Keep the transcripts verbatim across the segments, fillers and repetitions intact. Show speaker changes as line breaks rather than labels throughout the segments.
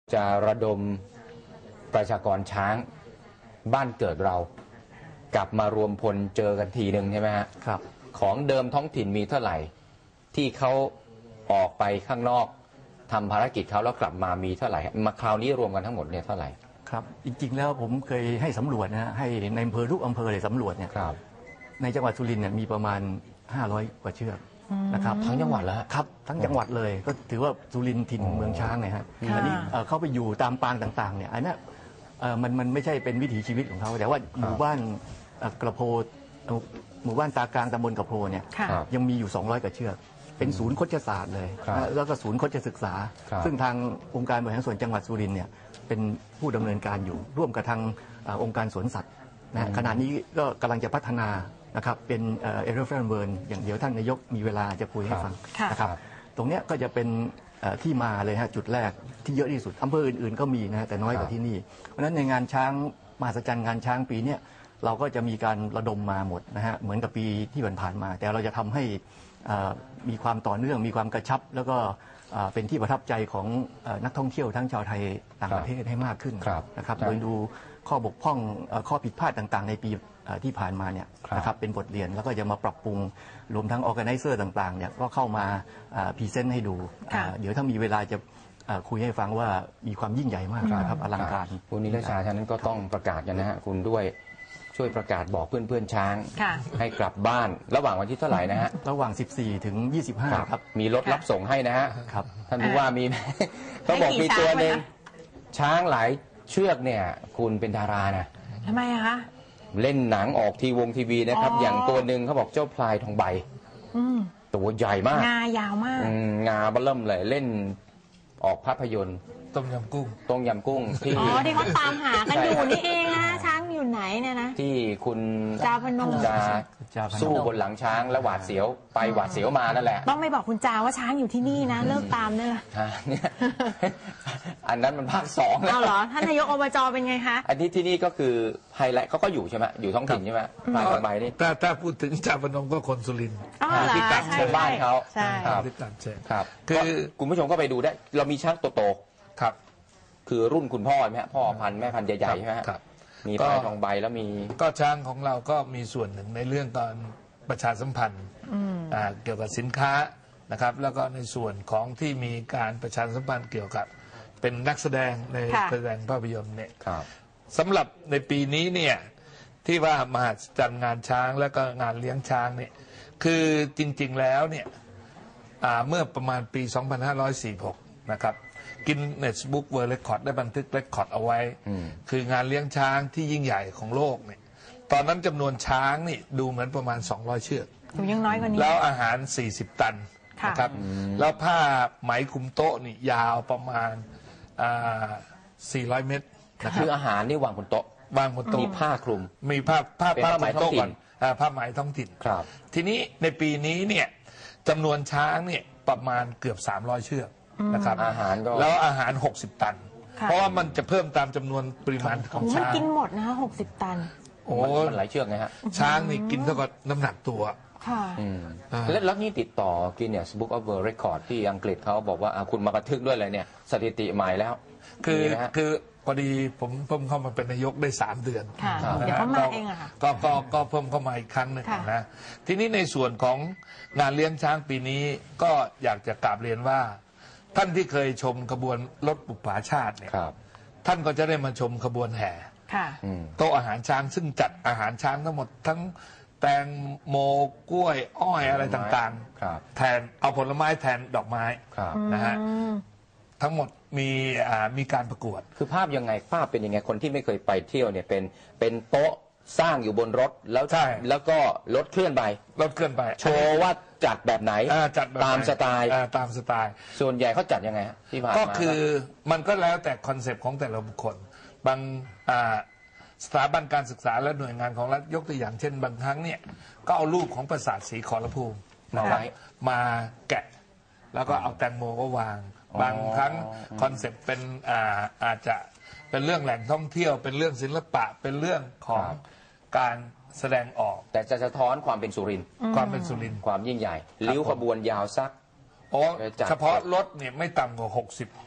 จะระดมประชากรช้างบ้านเกิดเรากลับมารวมพลเจอกันทีหนึ่งใช่ไหมฮะครับของเดิมท้องถิ่นมีเท่าไหร่ที่เขาออกไปข้างนอกทำภารกิจเขาแล้วกลับมามีเท่าไหร่มาคราวนี้รวมกันทั้งหมดเนี่ยเท่าไหร่
ครับจริงๆแล้วผมเคยให้สำรวจนะให้ในอำเภอทุกอำเภอเลยสำรวจเนี่ยในจังหวัดสุรินทร์เนี่ยมีประมาณห้าร้อยกว่าเชือกนะครับ
ทั้งจังหวัดแล้ว
ครับทั้งจังหวัดเลยก็ถือว่าสุรินทร์ถิ่นเมืองช้างไงฮะอันนี้เข้าไปอยู่ตามปางต่างๆเนี่ยอันนี้มันมันไม่ใช่เป็นวิถีชีวิตของเขาแต่ว่าหมู่บ้านกระโพหมู่บ้านตากลางตำบลกระโพเนี่ยยังมีอยู่สองร้อยกว่าเชือกเป็นศูนย์โคชศาสตร์เลยแล้วก็ศูนย์โคชศึกษาซึ่งทางองค์การบริหารส่วนจังหวัดสุรินทร์เนี่ยเป็นผู้ดำเนินการอยู่ร่วมกับทางองค์การสวนสัตว์นะขณะนี้ก็กำลังจะพัฒนานะครับเป็นเอเรฟเฟนเวิร์นอย่างเดียวท่านนายกมีเวลาจะคุยให้ฟังนะครับตรงนี้ก็จะเป็นที่มาเลยฮะจุดแรกที่เยอะที่สุดอำเภออื่นๆก็มีนะแต่น้อยกว่าที่นี่เพราะฉะนั้นในงานช้างมหัศจรรย์งานช้างปีนี้เราก็จะมีการระดมมาหมดนะฮะเหมือนกับปีที่ผ่านๆมาแต่เราจะทำให้มีความต่อเนื่องมีความกระชับแล้วก็เป็นที่ประทับใจของนักท่องเที่ยวทั้งชาวไทยต่างประเทศให้มากขึ้นนะครับโดยดูข้อบกพร่องข้อผิดพลาดต่างๆในปีที่ผ่านมาเนี่ยนะครับเป็นบทเรียนแล้วก็จะมาปรับปรุงรวมทั้งออแกไนเซอร์ต่างๆเนี่ยก็เข้ามาพรีเซนต์ให้ดูเดี๋ยวถ้ามีเวลาจะคุยให้ฟังว่ามีความยิ่งใหญ่มากนะครับอลังการ
คุณนิรชาฉะนั้นก็ต้องประกาศกันนะฮะคุณด้วยช่วยประกาศบอกเพื่อนๆช้างให้กลับบ้านระหว่างวันที่เท่าไหร่นะฮะ
ระหว่างสิบสี่ถึงยี่สิบห้าครับ
มีรถรับส่งให้นะฮะท่านผู้ว่ามีเขาบอกมีตัวหนึ่งช้างหลายเชือกเนี่ยคุณเป็นดารานะ
ทำไมคะ
เล่นหนังออกทีวงทีวีนะครับอย่างตัวหนึ่งเขาบอกเจ้าพลายทองใบตัวใหญ่มาก
งายาวมาก
งาเบิ่มเลยเล่นออกภาพยนตร์
ต้มยำกุ้ง
ต้มยำกุ้ง
ที่อ๋อที่เขาตามหากันอยู่นี่เองนะช้างอยู่ไหนเนี่ยนะ
ที่คุณ
จาพนม
จะสู้บนหลังช้างและหวาดเสียวไปหวาดเสียวมานั่นแหละ
ต้องไม่บอกคุณจาว่าช้างอยู่ที่นี่นะเลิกตามเนี่ย
อันนั้นมันภาคสอง
แล้วเหรอท่านนายกอบจเป็นไงคะ
อันนี้ที่นี่ก็คือไฮไลท์เขาก็อยู่ใช่ไหมอยู่ท้องถิ่นใช่ไหมพลายทองใบนี่
ถ้าถ้าพูดถึงจาพนมก็คนสุรินทร์
ที่ตัดเชิญบ้านเขา
ที่ตัดเชิญ
ครับคือคุณผู้ชมก็ไปดูได้เรามีช้างโตๆ
ครับ
คือรุ่นคุณพ่อไหมฮะพ่อพันธุ์แม่พันธุ์ใหญ่ๆใช่ไหมครับมีพลายทองใบแล้วมี
ก็ช้างของเราก็มีส่วนหนึ่งในเรื่องการประชาสัมพันธ์เกี่ยวกับสินค้านะครับแล้วก็ในส่วนของที่มีการประชาสัมพันธ์เกี่ยวกับเป็นนักแสดงในแสดงภาพยนตร์เนี่ยสำหรับในปีนี้เนี่ยที่ว่ามหัศจรรย์งานช้างแล้วก็งานเลี้ยงช้างเนี่ยคือจริงๆแล้วเนี่ยเมื่อประมาณปีสองพันห้าร้อยสี่สิบหกนะครับกินเนสบุ๊กเวิร์ลเรคคอร์ดได้บันทึกเรคคอร์ดเอาไว้คืองานเลี้ยงช้างที่ยิ่งใหญ่ของโลกเนี่ยตอนนั้นจำนวนช้างนี่ดูเหมือนประมาณสองร้อยเชือก
ยังน้อยกว่านี้
แล้วอาหารสี่สิบตันนะครับแล้วผ้าไหมคุมโต๊ะนี่ยาวประมาณสี่ร้อยเมตร
คืออาหารนี่วางบนโต๊ะ
วางบนโต๊ะ
มีผ้าคลุม
มีผ้าผ้าผ้าไหมท้องถิ่นผ้าไหมท้องถิ่น
ครับ
ทีนี้ในปีนี้เนี่ยจำนวนช้างเนี่ยประมาณเกือบสามร้อยเชือกนะครับ
อาหารก็
แล้วอาหารหกสิบตันเพราะว่ามันจะเพิ่มตามจำนวนปริมาณของช้าง
มันกินหมดนะหกสิบตัน
โอ้มันหลายเชือกไงฮะ
ช้างนี่กินเท่ากับน้ำหนักตัว
ค่ะ
แล้วแล้วนี่ติดต่อ Guinness Book of World Record ที่อังกฤษเขาบอกว่าคุณมาบันทึกด้วยเลยเนี่ยสถิติใหม่แล้ว
คือคือพอดีผมเพิ่มเข้ามาเป็นนายกได้สามเดือน
เดี๋ยวเขามาเองอะค่ะ
ก็ก็ก็เพิ่มเข้ามาอีกครั้งหนึ่งนะทีนี้ในส่วนของงานเลี้ยงช้างปีนี้ก็อยากจะกราบเรียนว่าท่านที่เคยชมขบวนรถบุปผาชาติเนี่ยท่านก็จะได้มาชมขบวนแห่โต๊ะอาหารช้างซึ่งจัดอาหารช้างทั้งหมดทั้งแตงโมกล้วยอ้อยอะไรต่างๆแทนเอาผลไม้แทนดอกไม้นะฮะทั้งหมดมีมีการประกวด
คือภาพยังไงภาพเป็นยังไงคนที่ไม่เคยไปเที่ยวเนี่ยเป็นเป็นโต๊ะสร้างอยู่บนรถแล้ว
ใช่
แล้วก็รถเคลื่อนไป
รถเคลื่อนไป
โชว์ว่าจัดแบบไหน
จัด
ตามสไตล์
ตามสไตล์
ส่วนใหญ่เขาจัดยังไงที่ผ่านมา
ก็คือมันก็แล้วแต่คอนเซปต์ของแต่ละบุคคลบางสถาบันการศึกษาและหน่วยงานของรัฐยกตัวอย่างเช่นบางครั้งเนี่ยก็เอารูปของปราสาทศรีขอรภูมิมาไว้มาแกะแล้วก็เอาแตงโมก็วางบางครั้งคอนเซปต์เป็นอาจจะเป็นเรื่องแหล่งท่องเที่ยวเป็นเรื่องศิลปะเป็นเรื่องของการแสดงออก
แต่จะสะท้อนความเป็นสุรินทร์
ความเป็นสุรินทร์
ความยิ่งใหญ่ริ้วขบวนยาวสัก
โอ้เฉพาะรถเนี่ยไม่ต่ำกว่าหกสิบ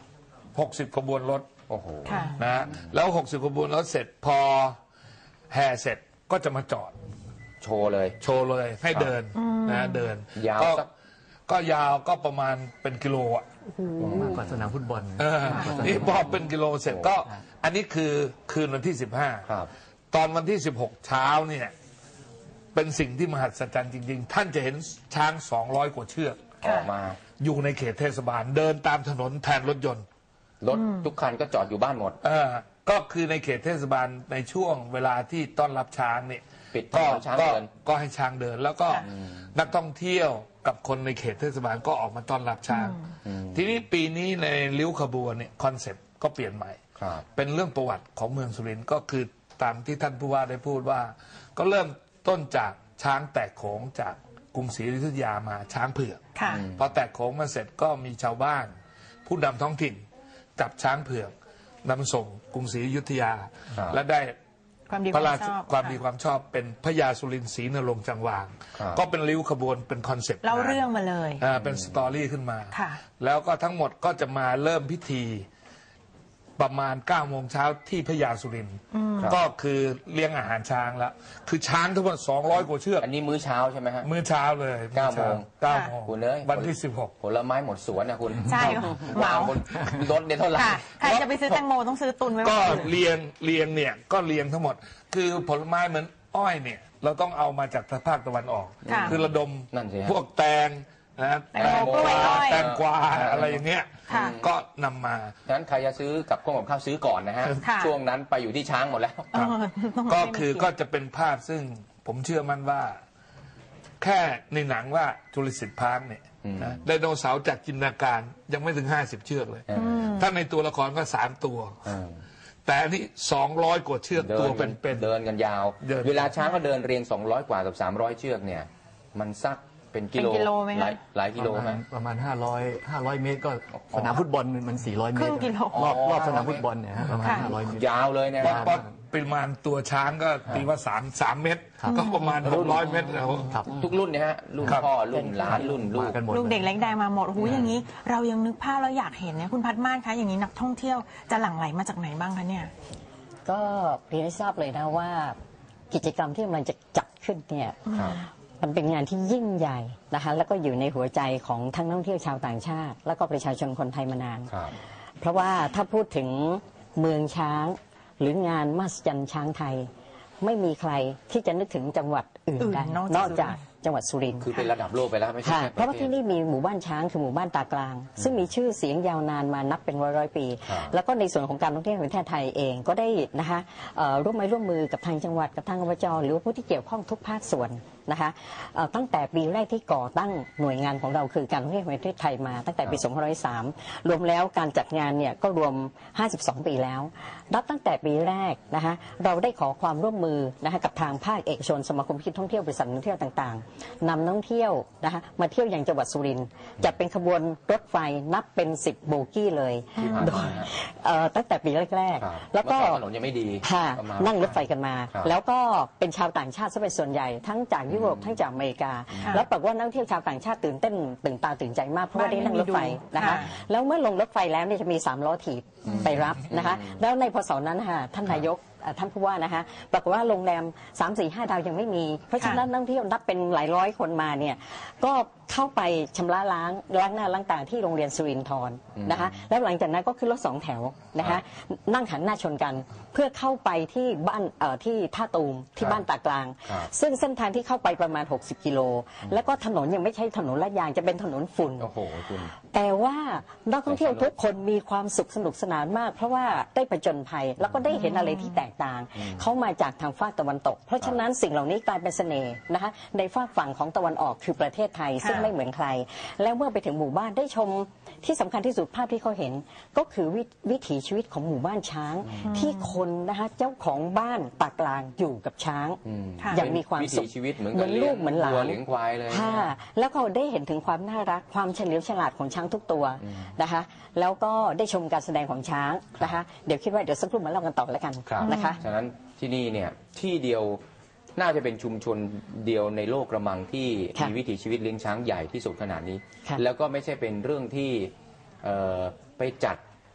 หกสิบขบวนรถ
โอ้โห
ค่ะ
นะฮะแล้วหกสิบขบวนรถเสร็จพอแห่เสร็จก็จะมาจอด
โชว์เลย
โชว์เลยให้เดินนะเดิน
ยาว
ก็
สัก
ก็ยาวก็ประมาณเป็นกิโลอ่ะ
มากกว่าสนามฟุตบอล
เออนี่พอเป็นกิโลเสร็จก็อันนี้คือคืนวันที่สิบห้า
ครับ
ตอนวันที่สิบหกเช้าเนี่ยเป็นสิ่งที่มหัศจรรย์จริงๆ ท่านจะเห็นช้างสองร้อยกว่าเชือก
ออกมา
อยู่ในเขตเทศบาลเดินตามถนนแทนรถยนต์
รถทุกคันก็จอดอยู่บ้านหมด
เออก็คือในเขตเทศบาลในช่วงเวลาที่ต้อนรับช้างเนี่ย
ปิดถ
ก็
นนช้าง
ก็
เดิน
ก็ให้ช้างเดิน แล้วก็นักท่องเที่ยวกับคนในเขตเทศบาลก็ออกมาต้อนรับช้าง ทีนี้ปีนี้ในริ้วขบวนเนี่ยคอนเซ็ปต์ก็เปลี่ยนใหม่
ครับ
เป็นเรื่องประวัติของเมืองสุรินทร์ก็คือตามที่ท่านผู้ว่าได้พูดว่า ก็เริ่มต้นจากช้างแตกโขงจากกรุงศรีอยุธยามาช้างเผือก
ค่ะ
พอแตกโขงมาเสร็จก็มีชาวบ้าน ผู้นำท้องถิ่นจับช้างเผือกนำส่งกรุงศรีอยุธยา
ครับ
และได้
ความดี
พ
ค
ระ
วาม
ราช
ชอบ
ความดี
ค่ะ
ความชอบเป็นพระยาสุรินทร์ศรีนรงค์จังหวาง
ครับ
ก็เป็นริ้วขบวนเป็นคอนเซ็ปต์
เล่าเรื่องมาเลย
อ่าเป็นสตอรี่ขึ้นมา
ค่ะ
แล้วก็ทั้งหมดก็จะมาเริ่มพิธีประมาณเก้าโมงเช้าที่พระยาสุรินทร์ก็คือเลี้ยงอาหารช้างแล้ว คือช้างทั้งหมดสองร้อยกว่าเชือก
อันนี้มื้อเช้าใช่ไหมฮะ
มื้อเช้าเลย
เก้าโมง
เก้าโมง
คุณเอ้ย
วันที่สิบหก
ผลไม้หมดสวนนะคุณ
ใช่เหมา
บนรถเนี่ยเท่าไหร่
ค่ะ ใครจะไปซื้อแตงโมต้องซื้อตุนไว้
ก็
ก่อน
เรียงเรียงเนี่ยก็เรียงทั้งหมด คือผลไม้เหมือนอ้อยเนี่ย เราต้องเอามาจากภาคตะวันออก
ค่ะ
คือระดม
นั่นสิฮะ
พวกแตงนะ
แตงโมกล้วยอ้อย
แตงกวาอะไรอย่างเงี้ย
ค่ะ
ก็นำมา
ฉะนั้นใครจะซื้อกับข้าวกับข้าวซื้อก่อนนะฮะ
ค่ะ
ช่วงนั้นไปอยู่ที่ช้างหมดแล้ว
เออต้อง
ก็
ให้มัน
คือก็จะเป็นภาพซึ่งผมเชื่อมั่นว่า แค่ในหนังว่าจุลศิษย์พาร์คเนี่ยนะไดโนเสาร์จากจินตนาการยังไม่ถึงห้าสิบเชือกเลย ถ้าในตัวละครก็สามตัว
อืม
แต่อันนี้สองร้อยกว่าเชือก
เดิ
ตัวน เป็นเป็น
เดินกันยาว
เดิน
เวลาช้างก็เดินเรียงสองร้อยกว่ากับสามร้อยเชือกเนี่ย มันสักเป็นกิโล
เป็นกิโลไหมคะ
หลายหลายกิโล
ประ
ไหม
มาณประมาณห้าร้อยห้าร้อยเมตรก็สนามฟุตบอลมันสี่ร้อยเม
ครึ่
ต
ง
ร
กิโล
รอบ
อ๋อ
รอบสนามฟุตบอลเนี่ยฮะประมาณ
ค่ะ
ห้าร้อยเมตร
ยาวเลยนะ
เพราะเพราะปริมาณตัวช้างก็ตีว่าสามสามเมตร ก็ประมาณหกร้อยเมตรแล้ว
ครับ
ทุกรุ่นเนี่ยฮะ รุ่น
ครับ
พ่อ รุ่นหลาน รุ่นลู
มาก กันหมด
ลูกเด็กเล็กแดงมาหมดโอ้โหอย่างนี้ เรายังนึกภาพแล้วอยากเห็นเนี่ยคุณพัดมานคะอย่างนี้นักท่องเที่ยวจะหลั่งไหลมาจากไหนบ้างคะเนี่ย
ก็เรียนให้ทราบเลยนะว่ากิจกรรมที่กำลังจะจัดขึ้นเนี่ย
ครับ
มันเป็นงานที่ยิ่งใหญ่นะคะแล้วก็อยู่ในหัวใจของทั้งนักท่องเที่ยวชาวต่างชาติ แล้วก็ประชาชนคนไทยมานาน
ครับ
เพราะว่าถ้าพูดถึงเมืองช้าง หรืองานมหัศจรรย์ช้างไทย ไม่มีใครที่จะนึกถึงจังหวัดอื่น
อื่น
ได้
นอกจาก
นอกจากจังหวัดสุรินทร์
คือเป็นระดับโลกไปแล้วไม่ใช่
ค่ะ
แค่
เพราะว่า
ป
ที่
ศ
นี่มีหมู่บ้านช้างคือหมู่บ้านตากลาง ซึ่งมีชื่อเสียงยาวนานมานับเป็นร้อยร้อยๆปี
ครับ
แล้วก็ในส่วนของการท่องเที่ยวแห่งประเทศไทยเองก็ได้นะคะเอ่อร่วมไม้ร่วมมือกับทางจังหวัดกับทางอบจหรือว่าผู้ที่เกี่ยวข้องทุกภาคส่วนนะคะเอ่อตั้งแต่ปีแรกที่ก่อตั้งหน่วยงานของเราคือการท่องเที่ยวแห่งประเทศไทยมาตั้งแต่ปี สองพันห้าร้อยสาม รวมแล้วการจัดงานเนี่ยก็รวม ห้าสิบสอง ปีแล้ว นับตั้งแต่ปีแรกนะคะเราได้ขอความร่วมมือนะคะกับทางภาคเอกชนสมาคมคิดท่องเที่ยวบริษัทท่องเที่ยวต่างๆนำนักท่องเที่ยวนะคะมาเที่ยวอย่างจังหวัดสุรินทร์จัดเป็นขบวนรถไฟนับเป็นสิบโบกี้เลย
ที่ผ่าน
โด
มาย ฮะ
เอ่อตั้งแต่ปีแรก
ครับ
ๆ แล้วก็
เมื่ออนถนนยังไม่ดี
ค่ะ
ก็มา
นั่งรถไฟกันมา
ครับ
แล้วก็เป็นชาวต่างชาติซะเป็นส่วนใหญ่ทั้งจากยุโรปทั้งจากอเมริกา
ค่ะ
แล้วปรากฏว่านักท่องเที่ยวชาวต่างชาติตื่นเต้นตื่นตาตื่นใจมากเพราะว่าได้นั่งรถไฟนะคะ
ค่ะ
แล้วเมื่อลงรถไฟแล้วเนี่ยจะมีสามล้อถีบไปรับนะคะ แล้วในพศนั้นนะคะท่านนายกเอ่อท่านผู้ว่านะคะปรากฏว่าโรงแรม สาม สี่ ห้า ดาวยังไม่มี เพราะฉะนั้นนักท่องเที่ยวนับเป็นหลายร้อยคนมาเนี่ยก็เข้าไปชำระล้างล้างหน้าล้างตาที่โรงเรียนสุรินทร์นะคะแล้วหลังจากนั้นก็ขึ้นรถสองแถวนะคะนั่งหันหน้าชนกันเพื่อเข้าไปที่บ้านเอ่อที่ท่าตูมที่บ้านตากลาง
ครับ
ซึ่งเส้นทางที่เข้าไปประมาณ หกสิบ กิโล แล้วก็ถนนยังไม่ใช่ถนนลาดยางจะเป็นถนนฝุ่น
โอ้โหคุณ
แต่ว่านักท่องเที่ยวทุกคนมีความสุขสนุกสนานมาก เพราะว่าได้ผจญภัยแล้วก็ได้เห็นอะไรที่แตกต่าง เขามาจากทางฝากตะวันตก เพราะฉะนั้นสิ่งเหล่านี้กลายเป็นเสน่ห์นะคะในฝากฝั่งของตะวันออกคือประเทศไทย ซึ่งไม่เหมือนใคร แล้วเมื่อไปถึงหมู่บ้านได้ชมที่สำคัญที่สุดภาพที่เขาเห็น ก็คือววิถีชีวิตของหมู่บ้านช้าง ที่คนนะคะเจ้าของบ้านตากลางอยู่กับช้าง
ค่ะ
อย่างมีความสุข
วิถีชีวิตเหมือน
เหมือนลูกเหมือนหลาน
วัวเลี้ยงควายเลย
ค่ะแล้วก็ได้เห็นถึงความน่ารักความเฉลียวฉลาดของช้างทุกตัวนะคะ แล้วก็ได้ชมการแสดงของช้างนะคะ เดี๋ยวคิดว่าเดี๋ยวสักครู่มาเล่ากันต่อแล้วกัน
ครับ
นะคะ
ฉะนั้นที่นี่เนี่ยที่เดียวน่าจะเป็นชุมชนเดียวในโลกกระมังที่
ค่ะ
มีวิถีชีวิตเลี้ยงช้างใหญ่ที่สุดขนาดนี้
ค่ะ
แล้วก็ไม่ใช่เป็นเรื่องที่เอ่อไปจัด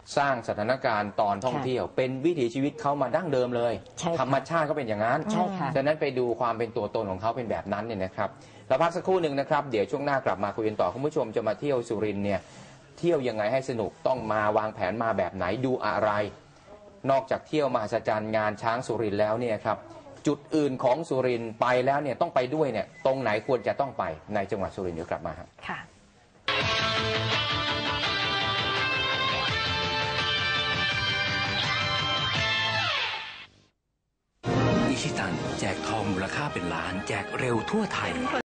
สร้างสถานการณ์ตอนท่องเที่ยว เป็นวิถีชีวิตเขามาดั้งเดิมเลย
ใช่ค่ะ
ธรรมชาติก็เป็นอย่างนั้น
ใช่ค่ะ
ฉะนั้นไปดูความเป็นตัวตนของเขาเป็นแบบนั้นเนี่ยนะครับเราพักสักครู่หนึ่งนะครับเดี๋ยวช่วงหน้ากลับมาคุยกันต่อคุณผู้ชมจะมาเที่ยวสุรินทร์เนี่ยเที่ยวยังไงให้สนุกต้องมาวางแผนมาแบบไหนดูอะไร นอกจากเที่ยวมหัศจรรย์งานช้างสุรินทร์แล้วเนี่ยครับจุดอื่นของสุรินทร์ไปแล้วเนี่ยต้องไปด้วยเนี่ยตรงไหนควรจะต้องไปในจังหวัดสุรินทร์เดี๋ยวกลับมาครับ
ค่ะ
อิชิตันแจกทองมูลค่าเป็นล้านแจกเร็วทั่วไทย